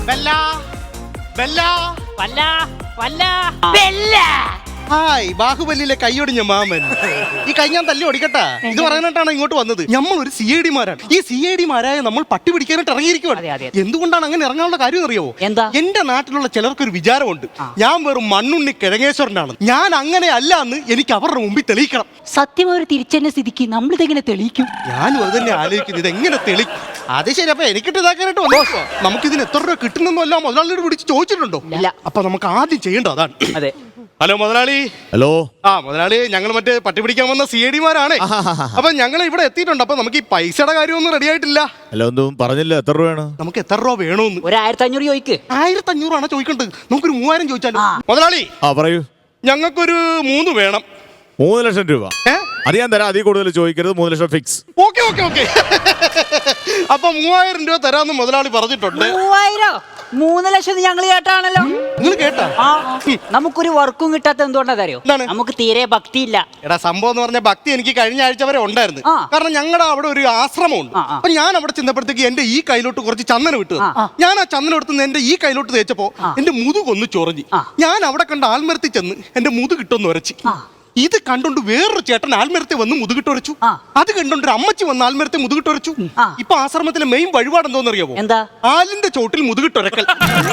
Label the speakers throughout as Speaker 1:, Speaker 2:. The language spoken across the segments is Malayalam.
Speaker 1: ഹായ്, ബാഹുബലിയിലെ കൈയൊടിഞ്ഞ മാമൻ. ഈ കൈ ഞാൻ തല്ലി ഓടിക്കട്ടാ. ഇത് പറയാനായിട്ടാണ് ഇങ്ങോട്ട് വന്നത്. നമ്മൾ ഒരു CID-മാരാണ്. ഈ CID-മാരായ നമ്മൾ പട്ടി പിടിക്കാനായിട്ട് ഇറങ്ങിയിരിക്കുവാണ്. എന്തുകൊണ്ടാണ് അങ്ങനെ ഇറങ്ങാനുള്ള കാര്യം അറിയാവോ?
Speaker 2: എന്താ?
Speaker 1: എന്റെ നാട്ടിലുള്ള ചിലർക്കൊരു വിചാരമുണ്ട്, ഞാൻ വെറും മണ്ണുണ്ണി കിഴങ്ങേശ്വരനാണ്. ഞാൻ അങ്ങനെ അല്ല എന്ന് എനിക്ക് അവരുടെ മുമ്പിൽ തെളിയിക്കണം.
Speaker 2: സത്യം ഒരു തിരിച്ചെന്നെ സ്ഥിതിക്ക് നമ്മളിതെങ്ങനെ തെളിയിക്കും?
Speaker 1: ഞാനും അത് തന്നെ ആലോചിക്കുന്നത്, ഇതെങ്ങനെ തെളിയിക്കും? അത് ശരി. അപ്പൊ എനിക്കിട്ട് ഇതാക്കാനായിട്ട് വന്നോ? നമുക്കിതിന് എത്ര രൂപ കിട്ടുന്നല്ലോ മുതലാളിയോട് വിളിച്ച് ചോദിച്ചിട്ടുണ്ടോ? അപ്പൊ നമുക്ക് ആദ്യം ചെയ്യേണ്ടത് അതാണ്.
Speaker 2: അതെ.
Speaker 1: ഹലോ മുതലാളി.
Speaker 3: ഹലോ.
Speaker 1: മുതലാളി, ഞങ്ങൾ മറ്റേ പട്ടി പിടിക്കാൻ വന്ന CID-മാരാണ്. അപ്പൊ ഞങ്ങൾ ഇവിടെ എത്തിയിട്ടുണ്ട്. അപ്പൊ നമുക്ക് ഈ പൈസയുടെ കാര്യമൊന്നും റെഡി ആയിട്ടില്ല.
Speaker 3: ഹലോ, ഒന്നും പറഞ്ഞില്ല. എത്ര രൂപയാണ്?
Speaker 1: നമുക്ക് എത്ര രൂപ വേണമെന്ന്?
Speaker 2: ഒരു 1500 ചോദിക്ക്.
Speaker 1: 1500 ആണ് ചോദിക്കേണ്ടത്. നമുക്കൊരു 3000 ചോദിച്ചാലോ? മുതലാളി,
Speaker 3: പറയൂ.
Speaker 1: ഞങ്ങൾക്കൊരു 3 വേണം.
Speaker 3: 3 ലക്ഷം രൂപ അത് ഞാൻ തരാം. അതിൽ കൂടുതൽ ചോദിക്കരുത്. 3 ലക്ഷം ഫിക്സ്.
Speaker 1: ഓക്കെ. അപ്പൊ 3000 രൂപ തരാമെന്ന് മുതലാളി പറഞ്ഞിട്ടുണ്ട്.
Speaker 2: 3000? 3 ലക്ഷം ഞങ്ങൾ കേട്ടാണല്ലോ.
Speaker 1: നിങ്ങൾ കേട്ടാ?
Speaker 2: നമുക്കൊരു വർക്കും കിട്ടാത്ത എന്തുകൊണ്ടാ അറിയോ? നമുക്ക് തീരെ ഭക്തിയില്ല.
Speaker 1: എടാ, സംഭവം എന്ന് പറഞ്ഞ ഭക്തി എനിക്ക് കഴിഞ്ഞ ആഴ്ച വരെ ഉണ്ടായിരുന്നു. കാരണം ഞങ്ങളുടെ അവിടെ ഒരു ആശ്രമമുണ്ട്. അപ്പൊ ഞാൻ അവിടെ ചെന്നപ്പോഴത്തേക്ക് എന്റെ ഈ കയ്യിലോട്ട് കുറച്ച് ചന്ദനം ഇട്ടു. ഞാൻ ആ ചന്ദനം എടുത്ത് എന്റെ ഈ കയ്യിലോട്ട് തേച്ചപ്പോ എന്റെ മുതുകൊന്ന് ചൊറിഞ്ഞു. ഞാൻ അവിടെ കണ്ട ആൽമരത്തിൽ ചെന്ന് എന്റെ മുതുകിട്ടൊന്ന് ഉരച്ചു. ഇത് കണ്ടോണ്ട് വേറൊരു ചേട്ടൻ ആൽമരത്തെ വന്ന് മുതുകിട്ടൊരച്ചു. അത് കണ്ടോണ്ട് ഒരു അമ്മച്ചി വന്ന് ആൽമരത്തെ മുതുകിട്ടൊരച്ചു. ഇപ്പൊ ആശ്രമത്തിലെ മെയിൻ വഴിപാട് എന്തോന്നറിയാവോ?
Speaker 2: എന്താ?
Speaker 1: ആലിന്റെ ചോട്ടിൽ മുതുകിട്ടൊരക്കൽ.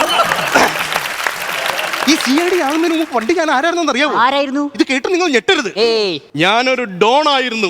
Speaker 1: ഈ CID ആകുന്നതിന് മുമ്പ് പണ്ട് ഞാൻ ആരായിരുന്നു അറിയാവോ?
Speaker 2: ആരായിരുന്നു?
Speaker 1: ഇത് കേട്ട് നിങ്ങൾ ഞെട്ടരുത്. ഞാനൊരു ഡോൺ ആയിരുന്നു.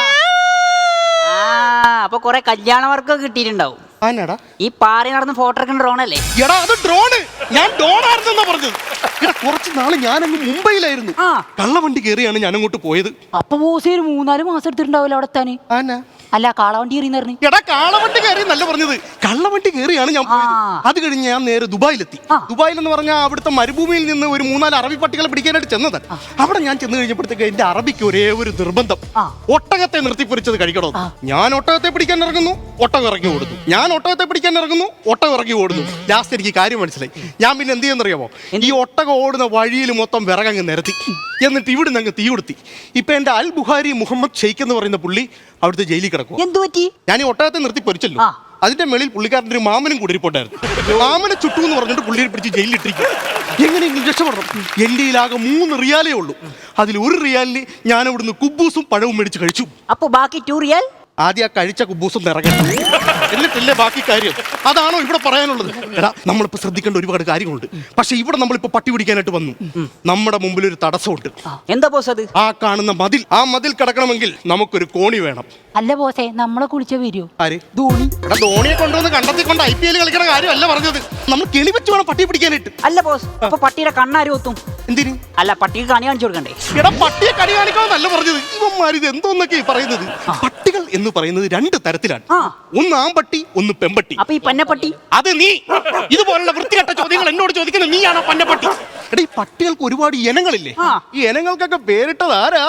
Speaker 2: അപ്പൊ കൊറേ കല്യാണ വർക്കൊക്കെ കിട്ടിയിട്ടുണ്ടാവും.
Speaker 1: ഈ
Speaker 2: പാറി നടന്ന് ഫോട്ടോ എടുക്കുന്ന ഡ്രോണല്ലേ?
Speaker 1: എടാ, അത് ഡ്രോണ്. ഞാൻ ഡോണായിരുന്നെന്നാ പറഞ്ഞത്. എടാ, കുറച്ച് നാള് ഞാനങ്ങ് മുംബൈയിലായിരുന്നു. കള്ളവണ്ടി കയറിയാണ് ഞാൻ അങ്ങോട്ട് പോയത്.
Speaker 2: അപ്പൊ ബോസ് 3-4 മാസം എടുത്തിട്ടുണ്ടാവില്ല അവിടെ എത്താന്? അല്ല, കാളവണ്ടി കയറി.
Speaker 1: എടാ, കാളവണ്ടി കയറി നല്ല പറഞ്ഞത്. കള്ളവണ്ടി കയറിയാണ് ഞാൻ പോയത്. അത് കഴിഞ്ഞ് ഞാൻ നേരെ ദുബായിലെത്തി. ദുബായിൽ എന്ന് പറഞ്ഞാൽ അവിടുത്തെ മരുഭൂമിയിൽ നിന്ന് ഒരു 3-4 അറബി പട്ടികളെ പിടിക്കാനായിട്ട് ചെന്നത്. അവിടെ ഞാൻ ചെന്ന് കഴിഞ്ഞപ്പോഴത്തേക്ക് എന്റെ അറബിക്ക് ഒരേ ഒരു നിർബന്ധം, ഒട്ടകത്തെ നിർത്തിപ്പൊരിച്ചത് കഴിക്കണോ. ഞാൻ ഒട്ടകത്തെ പിടിക്കാൻ ഇറങ്ങുന്നു, ഒട്ടകം ഇറങ്ങി ഓടുന്നു. ഞാൻ ഒട്ടകത്തെ പിടിക്കാൻ ഇറങ്ങുന്നു, ഒട്ടകം ഇറങ്ങി ഓടുന്നു. ലാസ്റ്റ് എനിക്ക് കാര്യം മനസ്സിലായി. ഞാൻ പിന്നെ എന്ത് ചെയ്യുന്നറിയാമോ? ഈ ഒട്ടകം ഓടുന്ന വഴിയിൽ മൊത്തം വിറകങ്ങ് നിരത്തി, എന്നിട്ട് ഇവിടുന്ന് അങ്ങ് തീ കൊടുത്തി. ഇപ്പൊ എന്റെ അൽ ബുഹാരി മുഹമ്മദ് ഷെയ്ഖ് എന്ന് പറയുന്ന പുള്ളി അവിടുത്തെ ജയിലിൽ കിടക്കും.
Speaker 2: എന്തു പറ്റി? ഞാൻ
Speaker 1: ഈ ഒട്ടകത്തെ നിർത്തി പൊരിച്ചല്ലോ, അതിന്റെ മേളിൽ പുള്ളിക്കാരൻ്റെ ഒരു മാമനും കൂടി ഇരിപ്പുണ്ടായിരുന്നു. മാമനെ ചുട്ടു എന്ന് പറഞ്ഞിട്ട് പുള്ളിയെ പിടിച്ച് ജയിലിലിട്ടിരിക്കും. എങ്ങനെയെങ്കിലും രക്ഷപ്പെടണം. എൻ്റെ ആകെ 3 റിയാലേ ഉള്ളൂ. അതിൽ 1 റിയാലിന് ഞാൻ അവിടുന്ന് കുബൂസും പഴവും മേടിച്ച് കഴിച്ചു.
Speaker 2: അപ്പൊ ബാക്കി 2 റിയാൽ?
Speaker 1: ആദ്യം ആ കഴിച്ച കുബൂസും നിറങ്ങണം, എന്നിട്ടല്ലേ ബാക്കി കാര്യം. അതാണോ ഇവിടെ പറയാനുള്ളത്? എടാ, നമ്മളിപ്പോ ശ്രദ്ധിക്കേണ്ട ഒരുപാട് കാര്യങ്ങളുണ്ട്. പക്ഷെ ഇവിടെ നമ്മളിപ്പോ പട്ടി പിടിക്കാനായിട്ട് വന്നു. നമ്മുടെ മുമ്പിൽ ഒരു തടസ്സമുണ്ട്.
Speaker 2: എന്താ ബോസ് അത്?
Speaker 1: ആ കാണുന്ന മതിൽ. ആ മതിൽ കടക്കണമെങ്കിൽ നമുക്കൊരു കോണി വേണം.
Speaker 2: അല്ല ബോസേ, നമ്മളെ കുളിച്ച വരൂ.
Speaker 1: ആര്? ധോണി. എടാ, ധോണിയെ കൊണ്ടുവന്ന് കണ്ടെത്തി കൊണ്ട് IPL കളിക്കണ കാര്യമല്ല പറഞ്ഞത്. നമ്മൾ കെണി വെച്ച് വേണം പട്ടി പിടിക്കാനായിട്ട്.
Speaker 2: അല്ല ബോസ്, അപ്പൊ പട്ടിയുടെ കണ്ണാരും ഒത്തും?
Speaker 1: എന്തിന്?
Speaker 2: അല്ല, പട്ടിക്ക് കണി കാണിച്ചു കൊടുക്കണ്ടേ?
Speaker 1: എടാ, പട്ടിയെ കണി കാണിക്കാന്നല്ല പറഞ്ഞത്. ഇവന്മാരിത് എന്തോന്നൊക്കെ പറയുന്നത്. പട്ടികൾ എന്ന് പറയുന്നത് 2 തരത്തിലാണ്. ഒന്ന് ആമ്പട്ടി, ഒന്ന് പെമ്പട്ടി.
Speaker 2: അപ്പൊ ഈ പന്നപ്പട്ടി?
Speaker 1: അത് നീ. ഇതുപോലുള്ള വൃത്തികെട്ട ചോദ്യങ്ങൾ എന്നോട് ചോദിക്കുന്നത് നീയാണോ പന്നപ്പട്ടി? എടാ, ഈ പട്ടികൾക്ക് ഒരുപാട് ഇനങ്ങളില്ലേ? ഈ ഇനങ്ങൾക്കൊക്കെ പേരിട്ടത് ആരാ?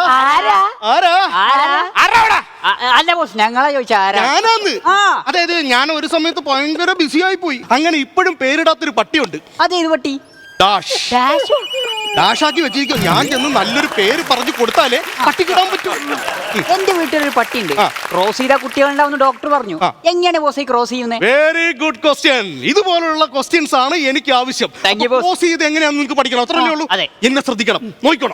Speaker 2: അല്ല ബോസ്, ഞങ്ങളാ ചോദിച്ച
Speaker 1: ഞാനാന്ന്. അതായത് ഞാൻ ഒരു സമയത്ത് ഭയങ്കര ബിസിയായി പോയി. അങ്ങനെ ഇപ്പോഴും പേരിടാത്തൊരു പട്ടിയുണ്ട്.
Speaker 2: അതേത് പട്ടി?
Speaker 1: ഡാഷാക്കി വെച്ചിരിക്കും. ഞാൻ ചെന്ന് നല്ലൊരു പേര് പറഞ്ഞു കൊടുത്താലേ പട്ടിക്കിടാൻ പറ്റൂ.
Speaker 2: എന്റെ വീട്ടിലൊരു പട്ടിയുണ്ട്. ക്രോസ് ചെയ്ത കുട്ടികളുണ്ടാവുന്ന ഡോക്ടർ പറഞ്ഞു. എങ്ങനെയാണ് ബോസ് ക്രോസ് ചെയ്യുന്നത്?
Speaker 1: Very good question. ഇതുപോലുള്ള ക്വസ്റ്റ്യൻസ് ആണ് എനിക്ക് ആവശ്യം. ക്രോസ് ചെയ്ത് എങ്ങനെയാണെന്ന് നിങ്ങൾക്ക് പഠിക്കണം. അത്രയല്ലേ ഉള്ളൂ. എന്നെ ശ്രദ്ധിക്കണം, നോക്കണം.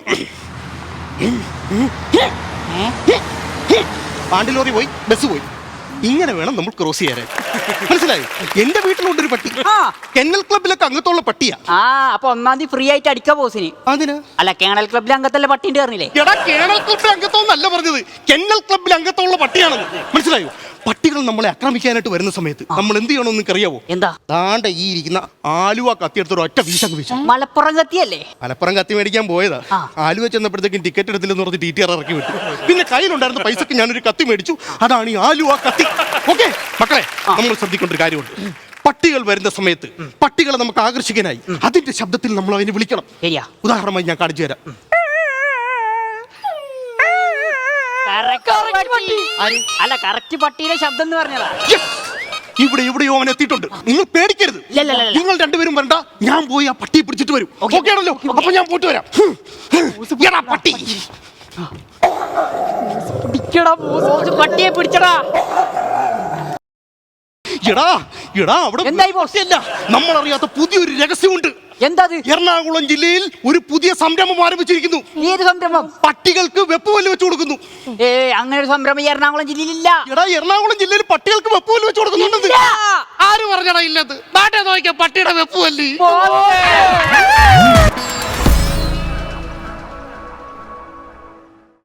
Speaker 1: പാണ്ടിലോറി പോയി, ബസ് പോയി. ഇങ്ങനെ വേണം നമ്മൾ ക്രോസ് ചെയ്യാൻ. മനസ്സിലായി? എന്റെ വീട്ടിലുണ്ടൊരു പട്ടി. കെന്നൽ ക്ലബിലൊക്കെ അംഗത്തുള്ള പട്ടിയാ.
Speaker 2: അപ്പൊ 1-ാം തീയതി ഫ്രീ ആയിട്ട് അടിക്കാ ബോസിന്.
Speaker 1: അതിന്?
Speaker 2: അല്ല, കേണൽ ക്ലബിൽ അംഗത്തല്ല പട്ടിന്റെ പറഞ്ഞില്ലേ?
Speaker 1: എടാ, കേണൽ ക്ലബിൽ അംഗത്വന്നല്ല പറഞ്ഞത്, കെന്നൽ ക്ലബിൽ അംഗത്തുള്ള പട്ടിയാണെന്ന്. മനസ്സിലായോ? പട്ടികൾ നമ്മളെ ആക്രമിക്കാനായിട്ട് വരുന്ന സമയത്ത് നമ്മൾ എന്ത് ചെയ്യണമെന്ന് നിനക്കറിയാവോ?
Speaker 2: എന്താ?
Speaker 1: താണ്ട ഈ ഇരിക്കുന്ന ആലുവ കത്തിയെടുത്തൊരു ഒറ്റ വീശങ്ങ് വീശു.
Speaker 2: മലപ്പുറം കത്തിയല്ലേ?
Speaker 1: മലപ്പുറം കത്തി മേടിക്കാൻ പോയതാ. ആലുവ ചെന്നപ്പോഴത്തേക്കും ടിക്കറ്റ് എടുത്തില്ലെന്ന് പറഞ്ഞ് TTR ഇറക്കി വിട്ടു. പിന്നെ കയ്യിലുണ്ടായിരുന്ന പൈസക്ക് ഞാനൊരു കത്തി മേടിച്ചു. അതാണ് ഈ ആലുവ കത്തി. ഓക്കെ മക്കളെ, നമ്മൾ ശ്രദ്ധിക്കേണ്ട ഒരു കാര്യമുണ്ട്. പട്ടികൾ വരുന്ന സമയത്ത് പട്ടികളെ നമുക്ക് ആകർഷിക്കാനായി അതിന്റെ ശബ്ദത്തിൽ നമ്മൾ അതിനെ വിളിക്കണം. ഉദാഹരണമായി ഞാൻ കാണിച്ചു തരാം.
Speaker 2: അല്ല, കറക്റ്റ് പട്ടിയുടെ ശബ്ദം എന്ന് പറഞ്ഞതാ.
Speaker 1: ഇവിടെ എവിടെയോ അവൻ എത്തിയിട്ടുണ്ട്. നിങ്ങൾ പേടിക്കരുത്. നിങ്ങൾ 2 പേരും വരണ്ട. ഞാൻ പോയി ആ പട്ടിയെ പിടിച്ചിട്ട് വരും. ഓക്കെ ആണല്ലോ? അപ്പൊ ഞാൻ പോയിട്ട് വരാം. പട്ടി
Speaker 2: പട്ടിയെ പിടിച്ചടാ.
Speaker 1: എടാ എടാ അവിടെ
Speaker 2: എന്തായി ബോസ്?
Speaker 1: അല്ല, നമ്മളറിയാത്ത പുതിയൊരു രഹസ്യമുണ്ട്.
Speaker 2: എന്താ?
Speaker 1: എറണാകുളം ജില്ലയിൽ ഒരു പുതിയ സംരംഭം ആരംഭിച്ചിരിക്കുന്നു.
Speaker 2: ഏത് സംരംഭം?
Speaker 1: പട്ടികൾക്ക് വെപ്പുവല്ല് വെച്ച് കൊടുക്കുന്നു.
Speaker 2: അങ്ങനെ ഒരു സംരംഭം ഈ എറണാകുളം ജില്ലയിലില്ല.
Speaker 1: എടാ എറണാകുളം ജില്ലയിൽ പട്ടികൾക്ക് വെപ്പുവല്ല് വെച്ച് കൊടുക്കുന്നുണ്ട്. ആര് പറഞ്ഞടാ ഇല്ലത്? നാട്ടെ നോക്കിയ പട്ടിയുടെ വെപ്പുവല്ലി.